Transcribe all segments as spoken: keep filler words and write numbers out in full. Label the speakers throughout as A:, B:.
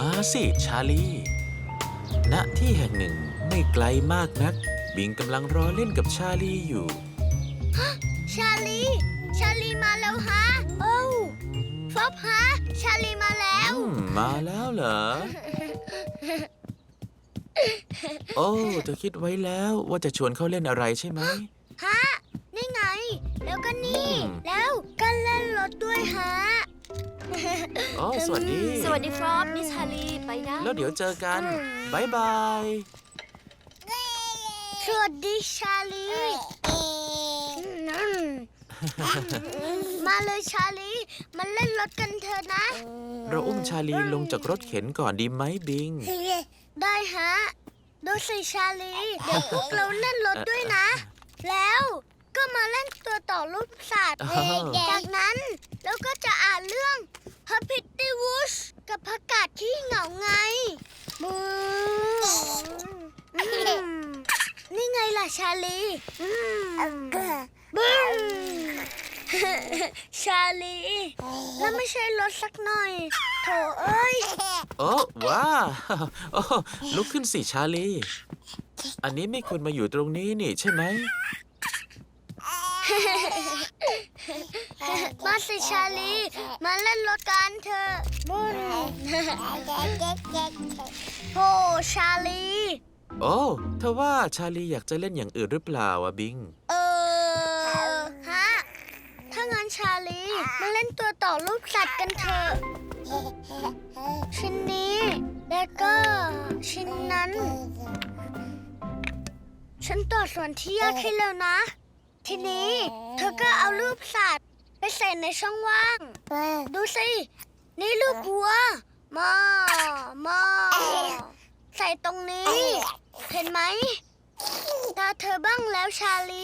A: มาสิชาลีณที่แห่งหนึ่งไม่ไกลมากนักบิงกำลังรอเล่นกับชาลีอยู่
B: ชาลี ชาลีมาแล้วฮะโอ้ฟอบฮะชาลีมาแล้ว
A: มาแล้วเหรอ โอ้เธอคิดไว้แล้วว่าจะชวนเขาเล่นอะไรใช่ไหม
B: ฮะนี่ไงแล้วก็นี่แล้วก็เล่นรถด้วยฮะ
A: โอ้สวัสดี
C: สวัสดีครับมิสชาลีไปนะ
A: แล้วเดี๋ยวเจอกันบายบาย
B: สวัสดีชาลีมาเลยชาลีมาเล่นรถกันเถอะนะ
A: เราอุ้มชาลีลงจากรถเข็นก่อนดีไหมบิง
B: ได้ฮะดูสิชาลีเดี๋ยวพวกเราเล่นรถด้วยนะแล้วก็มาเล่นตัวต่อรูปสัตว์จากนั้นแล้วก็จะอ่านเรื่องฮับพิตตี้วูชกับผักกาดที่เหงาไงบูนี่ไงล่ะชาลีบูชาลีแล้วไม่ใช่รถสักหน่อยโถเอ้ย
A: โอ้ว้าโอ้ลุกขึ้นสิชาลีอันนี้ไม่ควรมาอยู่ตรงนี้นี่ใช่ไหม
B: มาสิชาลีมาเล่นรถกันเถอะบุญโอ้ชาลี
A: โอ้เธอว่าชาลีอยากจะเล่นอย่างอื่นหรือเปล่าอะบิง
B: เออฮะถ้างั้นชาลีมาเล่นตัวต่อรูปสัตว์กันเถอะชิ้นนี้แล้วก็ชิ้นนั้นฉันต่อส่วนที่ยากให้แล้วนะทีนี้เธอก็เอารูปสัตว์ไปใส่ในช่องว่างดูสินี่รูปวัวมอมอใส่ตรงนี้เห็นไหมตาเธอบ้างแล้วชาลี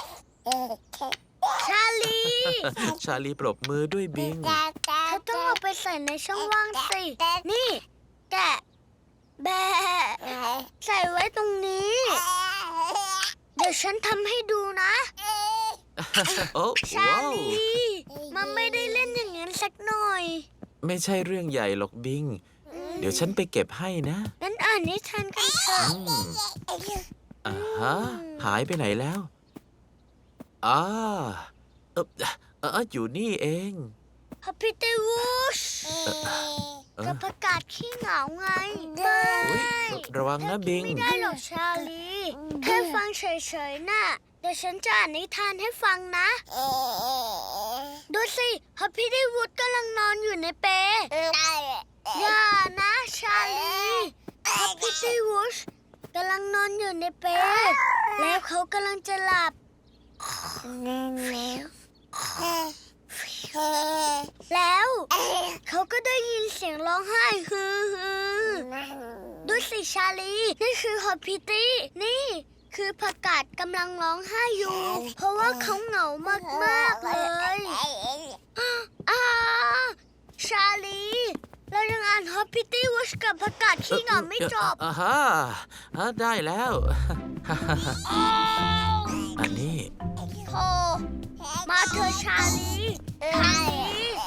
B: ชาลี
A: ชาลีปรบมือด้วยบิง
B: เธอต้องเอาไปใส่ในช่องว่างสินี่แกะแบะใส่ไว้ตรงนี้เดี๋ยวฉันทำให้ดูนะชาลีมันไม่ได้เล่นอย่างนั้นสักหน่อย
A: ไม่ใช่เรื่องใหญ่หรอกบิงเดี๋ยวฉันไปเก็บให้นะ
B: งั้นอ่านนิทานกันเถอะ
A: อ่าฮะหายไปไหนแล้วอ่าเออเอออยู่นี่เอง
B: ฮับพิตตี้วูชกับประกาศขี้เหงาไง
A: ระวังนะบิง
B: ไม่ได้หรอกชาลีแค่ฟังเฉยๆน่ะเดี๋ยวฉันจะอ่านนิทานให้ฟังนะดูสิฮับพิตตี้วูชกำลังนอนอยู่ในเปลอย่านะชาลีฮับพิตตี้วูชกำลังนอนอยู่ในเปลแล้วเขากำลังจะหลับแล้วเขาก็ได้ยินเสียงร้องไห้ฮือฮือดูสิชาลีนี่คือฮับพิตตี้นี่คือผักกาดกำลังร้องไห้อยู่เพราะว่าเขาเหงามากๆเลยอ้าชาลีเรายังอ่านฮับพิตตี้วูชกับผักกาดขี้เหงาไม่จบ
A: อ่าฮะได้แล้วอันนี้
B: โธ่มาเธอชาลีชาลี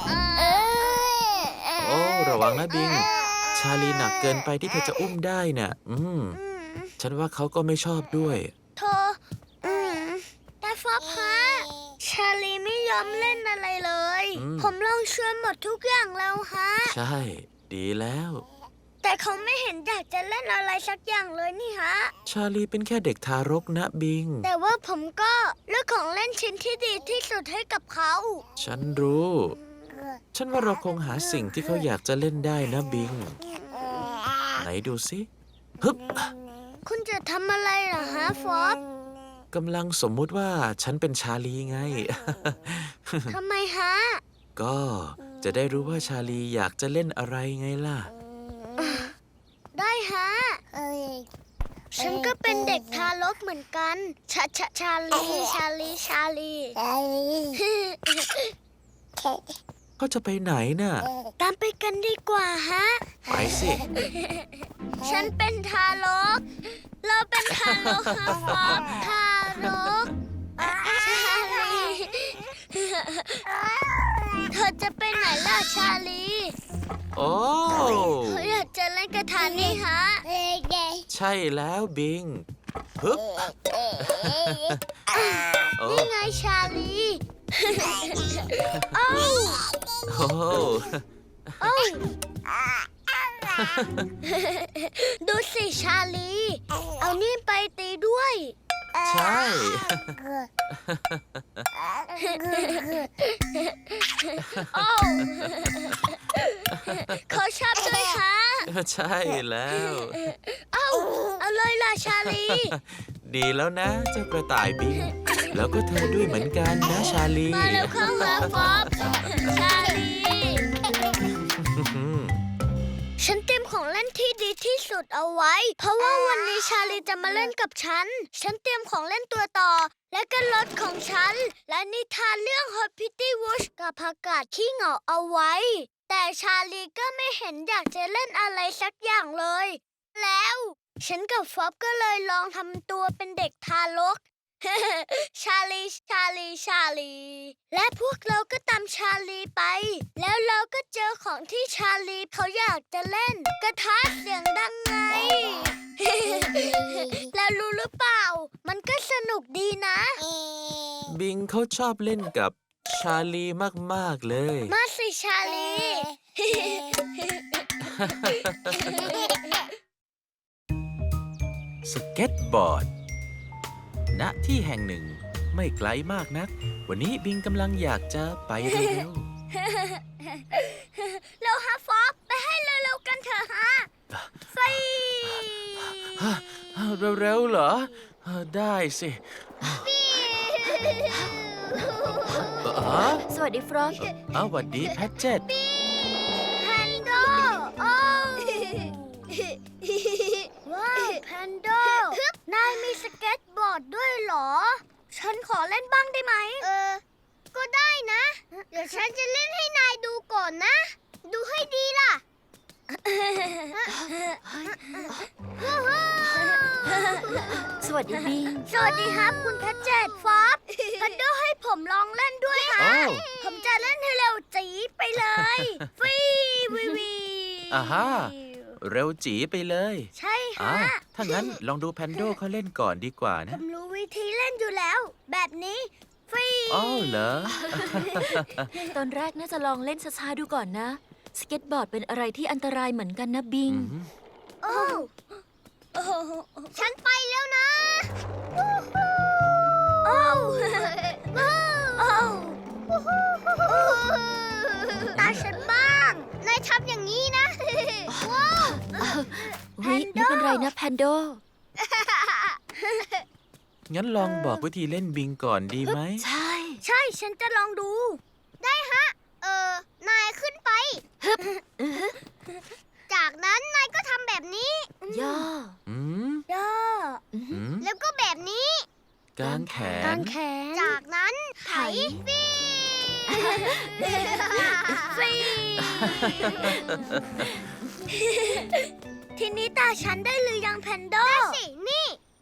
A: โอ้ระวังนะบิงชาลีหนักเกินไปที่เธอจะอุ้มได้น่ะอืมฉันว่าเขาก็ไม่ชอบด้วย
B: โธ่อืมแต่ฟอบฮะชาลีไม่ยอมเล่นอะไรเลยผมลองชวนหมดทุกอย่างแล้วฮะ
A: ใช่ดีแล้ว
B: แต่เขาไม่เห็นอยากจะเล่นอะไรสักอย่างเลยนี่ฮะ
A: ชาลีเป็นแค่เด็กทารกนะบิง
B: แต่ว่าผมก็เลือกของเล่นชิ้นที่ดีที่สุดให้กับเขา
A: ฉันรู้ฉันว่าเราคงหาสิ่งที่เขาอยากจะเล่นได้นะบิงไหนดูสิฮึบ
B: คุณจะทำอะไรเหรอฮะฟอบ
A: กำลังสมมุติว่าฉันเป็นชาลีไง
B: ทำไมฮะ
A: ก็จะได้รู้ว่าชาลีอยากจะเล่นอะไรไงล่ะ
B: ได้ฮะฉันก็เป็นเด็กทารกเหมือนกันชาชาชาลีชาลีชาลี
A: เขาจะไปไหนน่ะ
B: ตามไปกันดีกว่าฮะ
A: ไปสิ
B: ฉันเป็นทารกเราเป็นทารกฮะฟอบทารกชาลีเธอจะไปไหนล่ะชาลี
A: โอ้
B: เขาอยากจะ
A: ช่แล้วบิงฮึบโอ้
B: นี่ไงชาลี โอ้ว
A: โอ้
B: โอ้วดูสิชาลี เอานี่ไปตีด้วย
A: ใช่
B: โอ้วเขาชอบด้วยฮะ
A: ใช่แล้ว
B: เอ้าเอาเลยล่ะชาลี
A: ดีแล้วนะเจ้ากระต่ายบิง แล้วก็เธอด้วยเหมือนกันนะชาลี
B: มาแล้วเข้าหาฟอบชาลี ฉันเตรียมของเล่นที่ดีที่สุดเอาไว้ เพราะว่าวันนี้ชาลีจะมาเล่นกับฉัน ฉันเตรียมของเล่นตัวต่อ และก็รถของฉัน และนิทานเรื่อง Hot Pitty Woods กับผักกาดขี้เหงาเอาไว้ แต่ชาลีก็ไม่เห็นอยากจะเล่นอะไรสักอย่างเลย แล้ว ฉันกับฟอบก็เลยลองทำตัวเป็นเด็กทารก ชาลี ชาลี ชาลี และพวกเราก็ตามชาลีไป แล้วเราก็เจอของที่ชาลีเขาอยากจะเล่น กระทะเสียงดังไง แล้วรู้หรือเปล่า มันก็สนุกดีนะ
A: บิงเขาชอบเล่นกับชาลีมากๆเลย
B: มาสิชาลี
A: สเก็ตบอร์ด ณ ที่แห่งหนึ่งไม่ไกลมากนัก วันนี้บิงกำลังอยากจะไปเร็ว
B: เราฮะฟอบไปให้เร็วๆกันเถอะฮะไฟ
A: ๆฮะเร็วๆเหรอ ได้สิอ๋อ
C: สวัสดีฟรอก
A: เอาหวัดดีแพทเจ็ต
B: แพนโดโอ้ว้าวแพนโดนายมีสเก็ตบอร์ดด้วยเหรอ ฉันขอเล่นบ้างได้ไหม เออ ก็ได้นะ เดี๋ยวฉันจะเล่นให้นายดูก่อนนะ ดูให้ดีล่ะ
C: สวัสดีบิง
B: สวัสดีครับคุณแพทเจ็ตฟอบแพนโดให้ผมลองเล่นด้วยฮะ
A: อ้าว
B: ผมจะเล่นให้เร็วจีดไปเลยฟีวีวี
A: อ่าฮะ เร็วจีไปเลย
B: ใช่
A: อ่า
B: ฮะ
A: ถ้างั้นลองดูแพนโดเขาเล่นก่อนดีกว่า
B: ผ
A: นะ
B: มรู้วิธีเล่นอยู่แล้ว แบบนี้ฟรี
A: อ๋อเหรอ
C: ตอนแรกน่าจะลองเล่นช้าๆดูก่อนนะ สเก็ตบอร์ดเป็นอะไรที่อันตรายเหมือนกันนะบิง
A: อืม
B: โอ้โอ้ฉันไปแล้วนะ โอ้โอ้ตาฉันบ้าง นายทำอย่างนี้นะ ว้าว
C: เฮ้ยไม่เป็นไรนะแพนโด
A: งั้นลองบอกวิธีเล่นบิงก่อนดีไหม
C: ใช่
B: ใช่ฉันจะลองดู ได้ฮะ เออ นายขึ้นไป จากนั้นนายก็ทำแบบนี้
C: ย่อ
A: อืม
B: ย่อ
C: อือหื
A: อื
C: อ
A: ม
B: แล้วก็แบบนี้
A: กางแข
B: กาน งแขน จากนั้นไถฟีฟี ทีนี้ตาฉันได้หรือยังแพนโดได้สิ นี่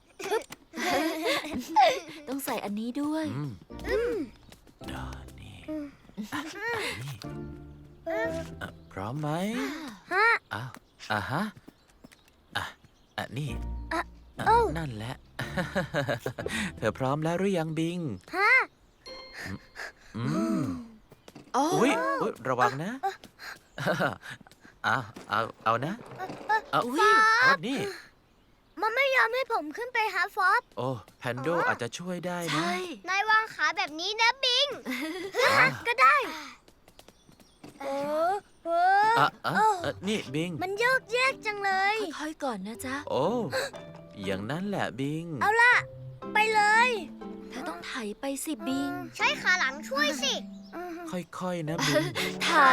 C: ต้องใส่อันนี้ด้วย
A: อืม
B: อืม
A: อ่านี่อ่ะนี่อ่ะพร้อมไหม
B: ฮะ
A: อ้าวอ่ะฮะอ่ะอ่ะนี่
B: อ่ะ
A: อ่ะ
B: โอ้
A: นั่นแหละ เธอพร้อมแล้วหรือยังบิง
B: ฮะ
A: อืม
C: โอ้
A: อุ้ยอุ๊ยระวังนะ เอาเอาเอานะ เอา
C: อุ๊ย
A: เอานี่
B: มันไม่ยอมให้ผมขึ้นไปหาฟอบ
A: โอ้แพนโดอาจจะช่วยได้นะ
C: ใช่
B: นายวางขาแบบนี้นะบิง
A: อ่ะ
B: ก็ได้โอ้โห
A: อ่ะอ่ะอ่ะนี่บิง
B: มันโยกแยกจังเลย
C: ค่อยๆก่อนนะจ๊ะ
A: โอ้ อย่างนั้นแหละบิง
B: เอาล่ะ ไปเลย
C: เธอต้องไถไปสิบิง
B: ใช้ขาหลังช่วยสิ
A: ค่อยๆนะบิง
C: ไถ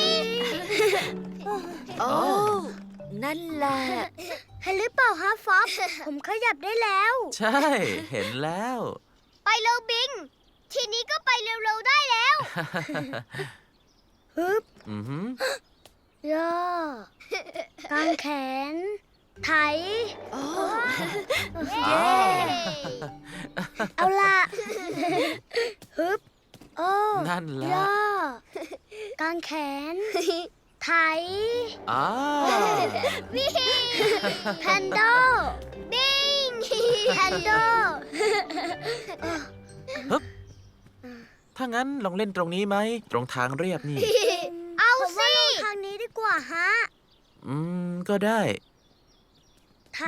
C: โอ้ นั่นแหละ
B: เห็นหรือเปล่าฮะฟอบ ผมขยับได้แล้ว
A: ใช่ เห็นแล้ว
B: ไปเร็วบิง ทีนี้ก็ไปเร็วๆได้แล้วฮึบ
A: อือหือ
B: ย่อกางแขน ไถ
C: โอ้
B: เย้ เอาล่ะ ฮึบ โอ้
A: นั่นแหละ
B: ย่อกางแขน ไถ
A: อ้าว
B: แพนโดบิงแพนโด
A: ถ้างั้นลองเล่นตรงนี้ไหม ตรงทางเรียบนี่
B: เอาสิทางนี้ดีกว่าฮะ
A: อืม ก็ได้
B: ไถ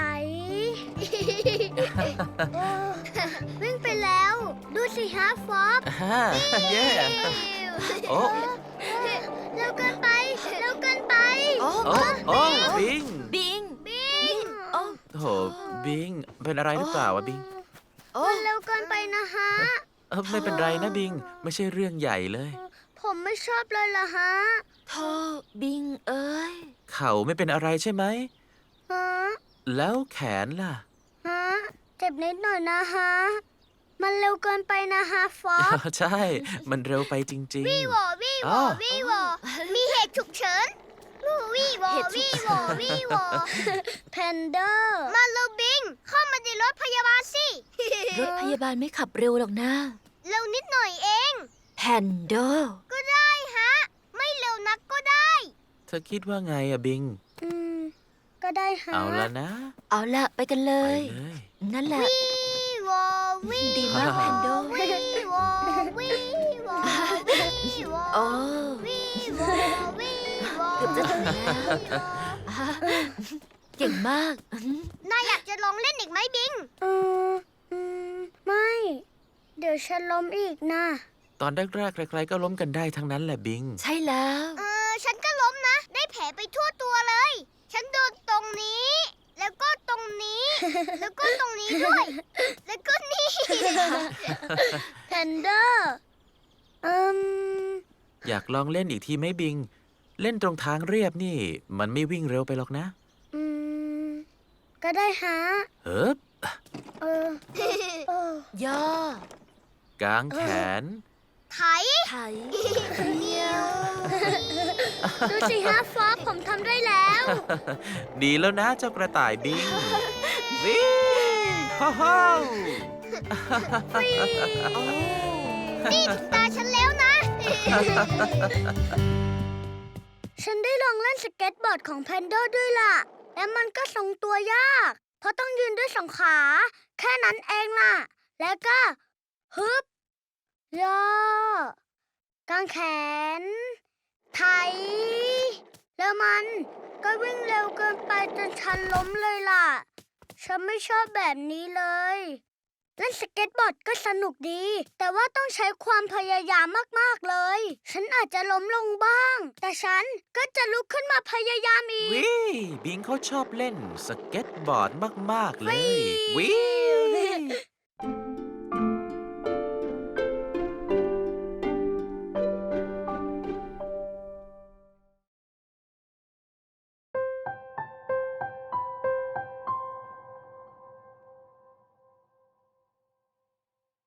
B: โอ้วิ่งไปแล้ว ดูสิฮะฟอบ
A: ฮ่าเย่โอ้
B: เร็วเกินไปเร็วเกินไป
C: โอ้
A: โอ้โอ้บิง
C: บิง
B: บิง
C: โอ้
A: โอ้โหบิง เป็นอะไรหรือเปล่าวะบิง
C: โอ้
B: มันเร็วเกินไปนะฮะ
A: เออไม่เป็นไรนะบิง ไม่ใช่เรื่องใหญ่เลย
B: ผมไม่ชอบเลยล่ะฮะ
C: โธ่บิงเอ้ย
A: เข่าไม่เป็นอะไรใช่ไหม
B: ฮะ
A: แล้วแขนล่ะ
B: ฮะ เจ็บนิดหน่อยนะฮะ มันเร็วเกินไปนะฮะฟอบ
A: ใช่ มันเร็วไปจริง
B: วี่วอวี่ว
A: อ๋
B: อ
A: อ
B: วี่วอมีเหตุฉุกเฉินวี่วอ
C: เหตุฉุ
B: วี่
C: ก
B: ว
C: เฉิ
B: อน วี่วอแพนเดอร์มาเร็วบิง เข้ามาในรถพยาบาลสิ
C: รถพยาบาลไม่ขับเร็วหรอกนะ
B: เร็วนิดหน่อยเอง
C: แพนโด
B: ก็ได้ฮะ ไม่เร็วนักก็ได้
A: ๆ เธอคิดว่าไงอะบิง
B: อืม ก็ได้ฮะ
A: เอาละนะ
C: เอาละไปกันเล
A: ไป
C: ย
A: เลย
C: นั่นแหละ
B: วี่วอวี่
C: ดีมากแพนโด
B: วี่วอวี่วอวี่วอ
C: โอ้
B: วี่วอวี่วอ
C: เกือบจะถึงแล้วอ่ะเก่งมาก
B: นายอยากจะลองเล่นอีกไหมบิงอืมอืมไม่ เดี๋ยวฉันล้มอีกนะ
A: ตอนแรกๆใครๆก็ล้มกันได้ทั้งนั้นแหละบิง
C: ใช่แล้ว
B: เออ ฉันก็ล้มนะ ได้แผลไปทั่วตัวเลย ฉันโดนตรงนี้ แล้วก็ตรงนี้ แล้วก็ตรงนี้ด้วย แล้วก็นี่แพนเดอร์อืม
A: อยากลองเล่นอีกทีไหมบิง เล่นตรงทางเรียบนี่ มันไม่วิ่งเร็วไปหรอกนะ
B: อืม ก็ได้ฮะ
A: เฮ้บ
B: เออเออย่
C: อ
A: กางแขน
B: ไถ
C: ไถ
B: เดียวดูสิฮะฟอบผมทำได้แล้ว
A: ดีแล้วนะเจ้ากระต่ายบิง วิ่งฮ่าฮ่า
C: โอ้
B: นี่ถึงตาฉันแล้วนะ ฉันได้ลองเล่นสเก็ตบอร์ดของแพนโดด้วยล่ะ และมันก็ทรงตัวยาก เพราะต้องยืนด้วยสองขา แค่นั้นเองล่ะ แล้วก็ฮึบย่อกางแขน ไถ แล้วมันก็วิ่งเร็วเกินไปจนฉันล้มเลยล่ะ ฉันไม่ชอบแบบนี้เลย เล่นสเก็ตบอร์ดก็สนุกดี แต่ว่าต้องใช้ความพยายามมากๆเลย ฉันอาจจะล้มลงบ้าง แต่ฉันก็จะลุกขึ้นมาพยายามอีก
A: วิบิงเขาชอบเล่นสเก็ตบอร์ดมาก ๆ เลย วิ